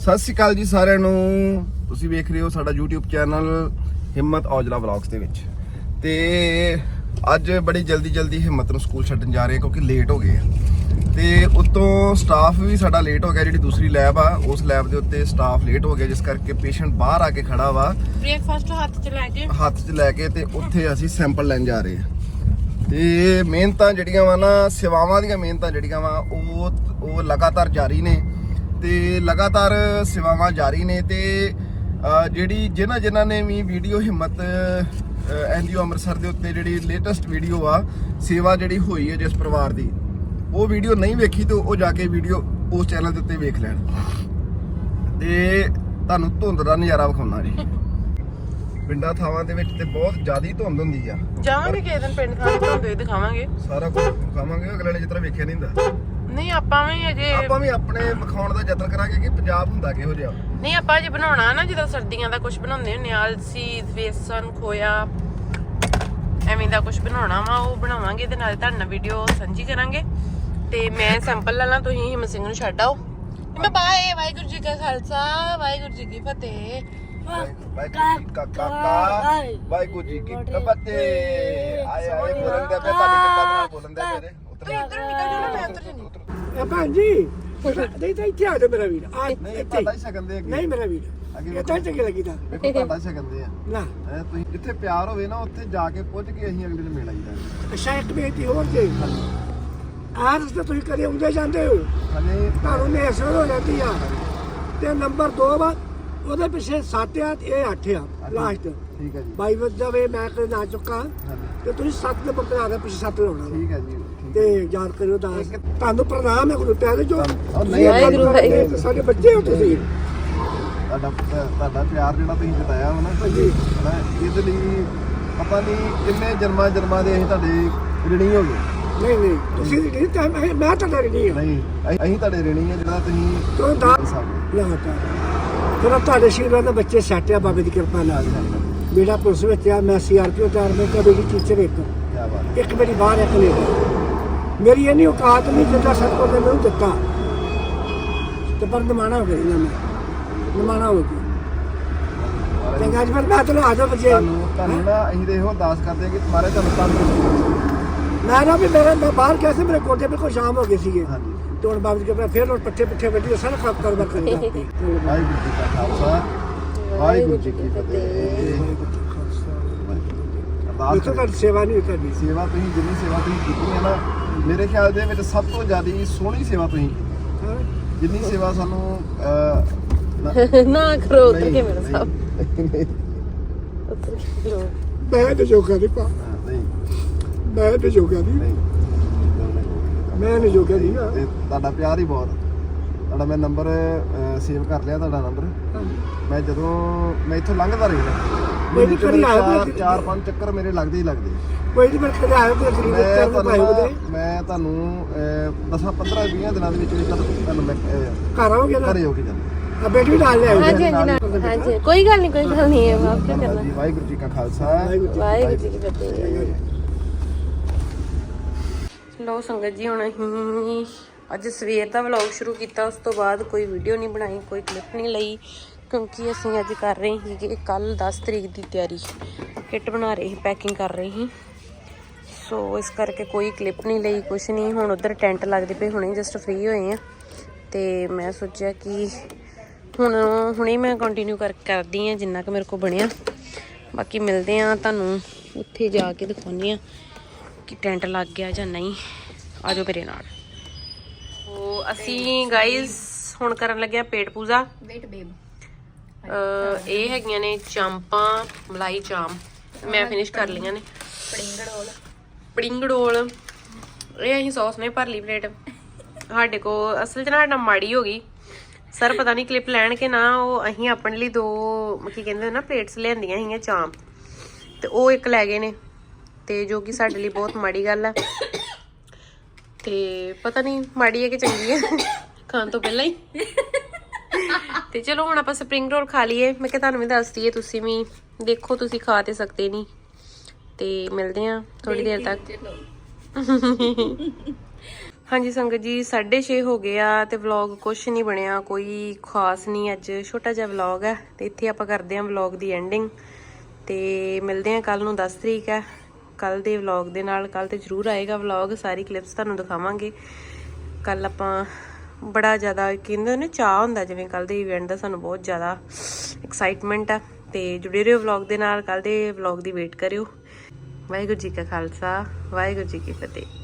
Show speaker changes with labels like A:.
A: ਸਤਿ ਸ਼੍ਰੀ ਅਕਾਲ ਜੀ ਸਾਰਿਆਂ ਨੂੰ। ਤੁਸੀਂ ਵੇਖ ਰਹੇ ਹੋ ਸਾਡਾ YouTube ਚੈਨਲ ਹਿੰਮਤ ਔਜਲਾ ਵਲੌਗਸ ਦੇ ਵਿੱਚ। ਤੇ ਅੱਜ ਬੜੀ ਜਲਦੀ ਹਿੰਮਤ ਨੂੰ ਸਕੂਲ ਛੱਡਣ ਜਾ ਰਹੇ ਹਾਂ ਕਿਉਂਕਿ ਲੇਟ ਹੋ ਗਏ ਆ। ਤੇ ਉੱਤੋਂ ਸਟਾਫ ਵੀ ਸਾਡਾ ਲੇਟ ਹੋ ਗਿਆ। ਜਿਹੜੀ ਦੂਸਰੀ ਲੈਬ ਆ ਉਸ ਲੈਬ ਦੇ ਉੱਤੇ ਸਟਾਫ ਲੇਟ ਹੋ ਗਿਆ, ਜਿਸ ਕਰਕੇ ਪੇਸ਼ੈਂਟ ਬਾਹਰ ਆ ਕੇ ਖੜਾ ਵਾ
B: ਬ੍ਰੇਕਫਾਸਟ ਹੱਥ 'ਚ ਲੈ ਕੇ ਤੇ ਉੱਥੇ ਅਸੀਂ ਸੈਂਪਲ ਲੈਣ ਜਾ ਰਹੇ ਹਾਂ। ਤੇ ਮਿਹਨਤਾਂ ਜਿਹੜੀਆਂ ਵਾ ਨਾ, ਸੇਵਾਵਾਂ ਦੀਆਂ ਮਿਹਨਤਾਂ ਜਿਹੜੀਆਂ ਵਾ ਉਹ ਲਗਾਤਾਰ ਜਾਰੀ ਨੇ ਤੇ ਲਗਾਤਾਰ ਸੇਵਾਵਾਂ ਜਾਰੀ ਨੇ। ਤੇ ਜਿਹੜੀ ਜਿਨ੍ਹਾਂ ਨੇ ਵੀ ਵੀਡੀਓ ਹਿੰਮਤ NGO ਅੰਮ੍ਰਿਤਸਰ ਦੇ ਉੱਤੇ ਜਿਹੜੀ ਲੇਟੈਸਟ ਵੀਡੀਓ ਆ ਸੇਵਾ ਜਿਹੜੀ ਹੋਈ ਹੈ ਜਿਸ ਪਰਿਵਾਰ ਦੀ, ਉਹ ਵੀਡੀਓ ਨਹੀਂ ਵੇਖੀ ਤੇ ਉਹ ਜਾ ਕੇ ਵੀਡੀਓ ਉਸ ਚੈਨਲ ਦੇ ਉੱਤੇ ਵੇਖ ਲੈਣ। ਤੇ ਤੁਹਾਨੂੰ ਧੁੰਦ ਦਾ ਨਜ਼ਾਰਾ ਵਿਖਾਉਣਾ ਜੀ। ਪਿੰਡਾਂ ਥਾਵਾਂ ਦੇ ਵਿੱਚ ਤੇ ਬਹੁਤ ਜ਼ਿਆਦਾ ਧੁੰਦ ਹੁੰਦੀ ਆ। ਜਾਵਾਂਗੇ ਕਿਸੇ ਦਿਨ ਪਿੰਡ ਥਾਂ ਧੁੰਦ ਵੀ ਦਿਖਾਵਾਂਗੇ,
A: ਸਾਰਾ ਕੁਝ ਵਿਖਾਵਾਂਗੇ। ਅਗਲੇ ਨੇ ਜਿਸ ਤਰ੍ਹਾਂ ਵੇਖਿਆ ਨਹੀਂ ਹੁੰਦਾ।
B: ਨਹੀਂ ਆਪਾਂ ਵੀ
A: ਆਪਣੇ ਵਿਖਾਉਣ ਦਾ ਯਤਨ ਕਰਾਂਗੇ ਕਿ ਪੰਜਾਬ ਹੁੰਦਾ ਕਿਹੋ ਜਿਹਾ।
B: ਨਹੀਂ ਆਪਾਂ ਜੇ ਬਣਾਉਣਾ ਨਾ, ਜਦੋਂ ਸਰਦੀਆਂ ਦਾ ਕੁਝ ਬਣਾਉਂਦੇ ਹੁੰਦੇ ਆ, ਅਲਸੀ, ਬੇਸਨ, ਖੋਇਆ, ਐਵੇਂ ਦਾ ਕੁਝ ਬਣਾਉਣਾ ਵਾ, ਉਹ ਬਣਾਵਾਂਗੇ ਤੇ ਨਾਲੇ ਤੁਹਾਡੇ ਨਾਲ ਵੀਡੀਓ ਸਾਂਝੀ ਕਰਾਂਗੇ। ਤੇ ਮੈਂ ਸੈਂਪਲ ਲੈ ਲਾਂ, ਤੁਸੀਂ ਹਿੰਮਤ ਸਿੰਘ ਨੂੰ ਛੱਡ ਆਓ। ਬਾਏ। ਵਾਹਿਗੁਰੂ ਜੀ ਕਾ ਖਾਲਸਾ, ਵਾਹਿਗੁਰੂ ਜੀ ਕੀ ਫਤਿਹ।
A: ਵਾਹਿਗੁਰੂ ਜੀ ਕੀ ਫਤਿਹ। ਆਏ ਬੋਲਣ ਦੇ ਪਏ, ਤੁਹਾਡੀ ਕਿਰਪਾ ਨਾਲ ਬੋਲਣ ਦੇ ਪਏ।
B: ਉੱਧਰ ਨਿਕਲ ਜਾਣਾ, ਮੈਂ ਉੱਧਰ ਜਾਣੀ।
C: ਭੈਣ ਜੀ ਨਹੀਂ ਤਾਂ ਇੱਥੇ ਆ ਜਾ ਮੇਰਾ ਵੀਰ।
A: ਨਹੀਂ ਤੁਹਾਡਾ ਹੀ ਸਕੰਦੇ ਅੱਗੇ।
C: ਨਹੀਂ ਮੇਰਾ ਵੀਰ, ਇਹ ਤਾਂ ਚੰਗੇ ਲੱਗੀਦਾ।
A: ਵੇਖੋ ਤੁਹਾਡਾ ਹੀ ਸਕੰਦੇ ਆ
C: ਨਾ।
A: ਤੁਸੀਂ ਜਿੱਥੇ ਪਿਆਰ ਹੋਵੇ ਨਾ ਉੱਥੇ ਜਾ ਕੇ ਪੁੱਜ ਕੇ ਅਸੀਂ ਅਗਲੇ ਨੂੰ ਮਿਲ ਆਈਦਾ।
C: ਅੱਛਾ, ਇੱਕ ਬੇਟੀ ਹੋਰ ਜੇ ਆਹ ਰਸਤੇ ਤੁਸੀਂ ਕਦੇ ਆਉਂਦੇ ਜਾਂਦੇ ਹੋ,
A: ਹਲੇ
C: ਤੁਹਾਨੂੰ ਨੇਸਰ ਹੋ ਜਾਂਦੀ ਆ। ਤੇ ਨੰਬਰ 2 ਵਾ, ਉਹਦੇ ਪਿੱਛੇ 7 ਆ, ਇਹ 8 ਆ ਲਾਸਟ।
A: ਠੀਕ ਹੈ ਜੀ।
C: 22 ਵਜੇ ਜਾਵੇ, ਮੈਂ ਕਦੇ ਨਾ ਚੁੱਕਾ ਤੇ ਤੁਸੀਂ 7 ਨੰਬਰ ਤੇ ਆ ਕੇ ਪਿੱਛੇ 7 ਲਾਉਣਾ।
A: ਠੀਕ ਹੈ ਜੀ।
C: ਤੇ ਯਾਦ ਕਰਿਓ ਦਾਸ। ਤੁਹਾਨੂੰ ਪ੍ਰਣਾਮ ਹੈ ਗੁਰੂ ਪਿਆਰੇ ਜੋ
B: ਵਾਹਿਗੁਰੂ
C: ਸਾਡੇ ਬੱਚੇ ਹੋ ਤੁਸੀਂ।
A: ਤੁਹਾਡਾ ਪਿਆਰ ਜਿਹੜਾ ਤੁਸੀਂ ਜਤਾਇਆ ਵਾ ਨਾ ਇਹਦੇ ਲਈ ਪਤਾ ਨਹੀਂ ਕਿੰਨੇ ਜਨਮਾਂ ਦੇ ਅਸੀਂ ਤੁਹਾਡੇ ਰਿਣੀ ਹੋ ਗਏ।
C: ਨਹੀਂ ਤੁਸੀਂ ਨਹੀਂ, ਮੈਂ ਤੁਹਾਡਾ ਰਿਣੀ ਹਾਂ।
A: ਨਹੀਂ ਅਸੀਂ ਤੁਹਾਡੇ ਰਿਣੀ ਆ ਜਿਹੜਾ ਤੁਸੀਂ
C: ਤੂੰ ਦਾਸ ਲਾਤਾ। ਫਿਰ ਤੁਹਾਡੇ ਸ਼ੀਰਾਂ ਦੇ ਬੱਚੇ ਸੈੱਟ ਆ ਬਾਬੇ ਦੀ ਕਿਰਪਾ ਨਾਲ। ਮੇਰਾ ਪੁਲਿਸ ਵਿੱਚ ਆ, ਮੈਂ CRPO ਚਾਰ ਮੈਂ ਕਦੇ ਵੀ ਟੀਚਰ ਇੱਕ ਮੇਰੀ ਬਾਹਰ ਇੱਕ ਨੇ। ਮੇਰੀ ਇਹ ਨਹੀਂ ਔਕਾਤ ਨਹੀਂ ਜਿੱਦਾਂ ਸਤਪੁਰ ਨੇ ਮੈਨੂੰ ਦਿੱਤਾ ਤੇ ਪਰ ਨਿਮਾਣਾ ਹੋ ਗਿਆ। ਨਿਮਾਣਾ ਹੋ ਗਿਆ। ਚੰਗਾ ਜੀ, ਫਿਰ ਮੈਂ ਤੁਹਾਨੂੰ ਆ ਜਾ ਬੱਚੇ।
A: ਤੁਹਾਨੂੰ ਨਾ ਅਸੀਂ ਤੇ ਇਹੋ ਅਰਦਾਸ ਕਰਦੇ ਹਾਂ ਕਿ ਤੁਹਾਰੇ ਤੁਹਾਨੂੰ
C: ਮੈਂ ਨਾ ਵੀ ਮੈਂ ਬਾਹਰ ਗਿਆ ਸੀ, ਮੇਰੇ ਕੋਟੇ ਬਿਲਕੁਲ ਸ਼ਾਮ ਹੋ ਗਏ ਸੀਗੇ।
A: ਹਾਂਜੀ।
C: ਤੇ ਹੁਣ ਬਾਬੇ ਦੀ ਕਿਰਪਾ ਫਿਰ ਪੱਠੇ ਵੱਢੀ ਸਾਰਾ ਕੰਮ ਕਰਵਾ ਕਰੀ।
A: ਵਾਹਿਗੁਰੂ ਜੀ ਕਾ ਖਾਲਸਾ, ਵਾਹਿਗੁਰੂ ਜੀ ਕੀ ਫਤਿਹ।
C: ਇਹ ਤਾਂ ਤੁਹਾਡੀ ਸੇਵਾ ਨਹੀਂ ਕਰਨੀ।
A: ਸੇਵਾ ਤੁਸੀਂ ਜਿੰਨੀ ਸੇਵਾ ਤੁਸੀਂ ਕੀਤੀ ਹੈ ਨਾ, ਮੇਰੇ ਖਿਆਲ ਦੇ ਵਿੱਚ ਸਭ ਤੋਂ ਜ਼ਿਆਦਾ ਸੋਹਣੀ ਸੇਵਾ ਤੁਸੀਂ ਕੀਤੀ। ਜਿੰਨੀ ਸੇਵਾ ਸਾਨੂੰ
B: ਨਾ ਕਰੋ ਉੱਧਰ ਕੇ ਮੇਰਾ ਸਾਹਿਬ।
C: ਮੈਂ ਤੇ ਜੋਗਾ ਨਹੀਂ ਪਾ,
A: ਨਹੀਂ
C: ਮੈਂ ਤੇ ਜੋਗਾ ਨਹੀਂ, ਮੈਂ ਨਹੀਂ ਜੋਗਾ ਨਹੀਂ ਨਾ।
A: ਤੁਹਾਡਾ ਪਿਆਰ ਹੀ ਬਹੁਤ। ਤੁਹਾਡਾ ਮੈਂ ਨੰਬਰ ਸੇਵ ਕਰ ਲਿਆ, ਤੁਹਾਡਾ ਨੰਬਰ। ਮੈਂ ਜਦੋਂ ਮੈਂ ਇੱਥੋਂ ਲੰਘਦਾ ਰਹਿੰਦਾ,
C: ਕੋਈ ਕਰੀ ਆਇਆ
A: 4-5 ਚੱਕਰ ਮੇਰੇ ਲੱਗਦੇ ਹੀ ਲੱਗਦੇ।
C: ਕੋਈ ਨਹੀਂ, ਮੈਂ ਕਦੇ ਆਇਆ ਤੇ ਗਰੀਬ ਬੱਚਿਆਂ ਨੂੰ ਪਾਏ ਉਹਦੇ
A: ਮੈਂ ਤੁਹਾਨੂੰ 10-15-20 ਦਿਨਾਂ ਦੇ ਵਿੱਚ ਤੁਹਾਨੂੰ ਮੈਂ
C: ਘਰ ਆਓਗੇ ਨਾ,
A: ਘਰੇ ਹੋ ਕੇ ਜਾਂਦਾ।
C: ਆ ਬੇਟੀ ਵੀ ਨਾਲ ਲੈ ਆਓ।
B: ਹਾਂਜੀ ਕੋਈ ਗੱਲ ਨਹੀਂ ਹੈ। ਮਾਫ ਕਿਉਂ ਕਰਨਾ।
A: ਵਾਹਿਗੁਰੂ ਜੀ ਕਾ ਖਾਲਸਾ,
B: ਵਾਹਿਗੁਰੂ ਜੀ ਕੀ ਫਤਿਹ। ਲੋ ਸੰਗਤ ਜੀ, ਹੁਣ ਅਸੀਂ ਅੱਜ ਸਵੇਰ ਦਾ ਵਲੌਗ ਸ਼ੁਰੂ ਕੀਤਾ। ਉਸ ਤੋਂ ਬਾਅਦ ਕੋਈ ਵੀਡੀਓ ਨਹੀਂ ਬਣਾਈ, ਕੋਈ ਕਲਿੱਪ ਨਹੀਂ ਲਈ, ਕਿਉਂਕਿ ਅਸੀਂ ਅੱਜ ਕਰ ਰਹੇ ਸੀਗੇ ਕੱਲ 10 ਤਰੀਕ ਦੀ ਤਿਆਰੀ। ਕਿੱਟ ਬਣਾ ਰਹੇ ਸੀ, ਪੈਕਿੰਗ ਕਰ ਰਹੇ ਸੀ, ਸੋ ਇਸ ਕਰਕੇ ਕੋਈ ਕਲਿੱਪ ਨਹੀਂ ਲਈ, ਕੁਛ ਨਹੀਂ। ਹੁਣ ਉੱਧਰ ਟੈਂਟ ਲੱਗਦੇ ਪਏ, ਹੁਣੇ ਜਸਟ ਫ੍ਰੀ ਹੋਏ ਆ। ਤੇ ਮੈਂ ਸੋਚਿਆ ਕਿ ਹੁਣੇ ਮੈਂ ਕੰਟੀਨਿਊ ਕਰਦੀ ਹਾਂ ਜਿੰਨਾ ਕੁ ਮੇਰੇ ਕੋਲ ਬਣਿਆ। ਬਾਕੀ ਮਿਲਦੇ ਆ ਤੁਹਾਨੂੰ ਉੱਥੇ ਜਾ ਕੇ, ਦਿਖਾਉਂਦੇ ਆ ਕਿ ਟੈਂਟ ਲੱਗ ਗਿਆ ਜਾਂ ਨਹੀਂ। ਆਜੋ ਮੇਰੇ ਨਾਲ। ਉਹ ਅਸੀਂ ਗਾਈਜ਼ ਹੁਣ ਕਰਨ ਲੱਗਿਆ ਪੇਟ ਪੂਜਾ। ਇਹ ਹੈਗੀਆਂ ਨੇ ਚਾਂਪਾਂ, ਮਲਾਈ ਚਾਂਪ ਮੈਂ ਫਿਨਿਸ਼ ਕਰ ਲਈਆਂ ਨੇ। ਪੜਿੰਗੜੋਲ ਇਹ ਅਸੀਂ ਸੌਸ ਨੇ ਭਰ ਲਈ ਪਲੇਟ। ਸਾਡੇ ਕੋਲ ਅਸਲ 'ਚ ਨਾ ਸਾਡਾ ਮਾੜੀ ਹੋ ਗਈ ਸਰ, ਪਤਾ ਨਹੀਂ ਕਲਿੱਪ ਲੈਣ ਕੇ ਨਾ। ਉਹ ਅਸੀਂ ਆਪਣੇ ਲਈ 2 ਕੀ ਕਹਿੰਦੇ ਨਾ ਪਲੇਟਸ ਲਿਆਂਦੀਆਂ ਸੀਗੀਆਂ ਚਾਂਪ, ਤੇ ਉਹ ਇੱਕ ਲੈ ਗਏ ਨੇ, ਤੇ ਜੋ ਕਿ ਸਾਡੇ ਲਈ ਬਹੁਤ ਮਾੜੀ ਗੱਲ ਹੈ। ਤੇ ਪਤਾ ਨਹੀਂ ਮਾੜੀ ਹੈ ਕਿ ਚੰਗੀ ਹੈ ਖਾਣ ਤੋਂ ਪਹਿਲਾਂ ਹੀ। ਤੇ ਚਲੋ ਹੁਣ ਆਪਾਂ ਸਪਰਿੰਗ ਰੋਲ ਖਾ ਲਈਏ। ਮੈਂ ਕਿਹਾ ਤੁਹਾਨੂੰ ਵੀ ਦੱਸ ਦਈਏ, ਤੁਸੀਂ ਵੀ ਦੇਖੋ, ਤੁਸੀਂ ਖਾ ਤੇ ਸਕਦੇ ਨਹੀਂ। ਤੇ ਮਿਲਦੇ ਆ ਥੋੜੀ ਦੇਰ ਤੱਕ। ਹਾਂਜੀ ਸੰਗਤ ਜੀ 6:30 ਹੋ ਗਏ ਆ ਤੇ ਵਲੌਗ ਕੁਛ ਨਹੀਂ ਬਣਿਆ, ਕੋਈ ਖਾਸ ਨਹੀਂ। ਅੱਜ ਛੋਟਾ ਜਿਹਾ ਵਲੌਗ ਹੈ ਤੇ ਇੱਥੇ ਆਪਾਂ ਕਰਦੇ ਹਾਂ ਵਲੌਗ ਦੀ ਐਂਡਿੰਗ ਤੇ ਮਿਲਦੇ ਹਾਂ ਕੱਲ ਨੂੰ। 10 ਤਰੀਕ ਹੈ, ਕੱਲ ਦੇ ਵਲੌਗ ਦੇ ਨਾਲ। ਕੱਲ ਤੇ ਜ਼ਰੂਰ ਆਏਗਾ ਵਲੌਗ, ਸਾਰੀ ਕਲਿੱਪਸ ਤੁਹਾਨੂੰ ਦਿਖਾਵਾਂਗੇ। ਕੱਲ ਆਪਾਂ ਬੜਾ ਜ਼ਿਆਦਾ ਕਹਿੰਦੇ ਨੇ ਚਾਹ ਹੁੰਦਾ ਜਿਵੇਂ ਕੱਲ ਦੇ ਇਵੈਂਟ ਦਾ, ਸਾਨੂੰ ਬਹੁਤ ਜ਼ਿਆਦਾ ਐਕਸਾਈਟਮੈਂਟ ਆ ਤੇ ਜੁੜੇ ਰਹੋ ਵਲੌਗ ਦੇ ਨਾਲ। ਕੱਲ ਦੇ ਵਲੌਗ ਦੀ ਵੇਟ ਕਰਿਓ। ਵਾਹਿਗੁਰੂ ਜੀ ਕਾ ਖਾਲਸਾ, ਵਾਹਿਗੁਰੂ ਜੀ ਕੀ ਫਤਿਹ।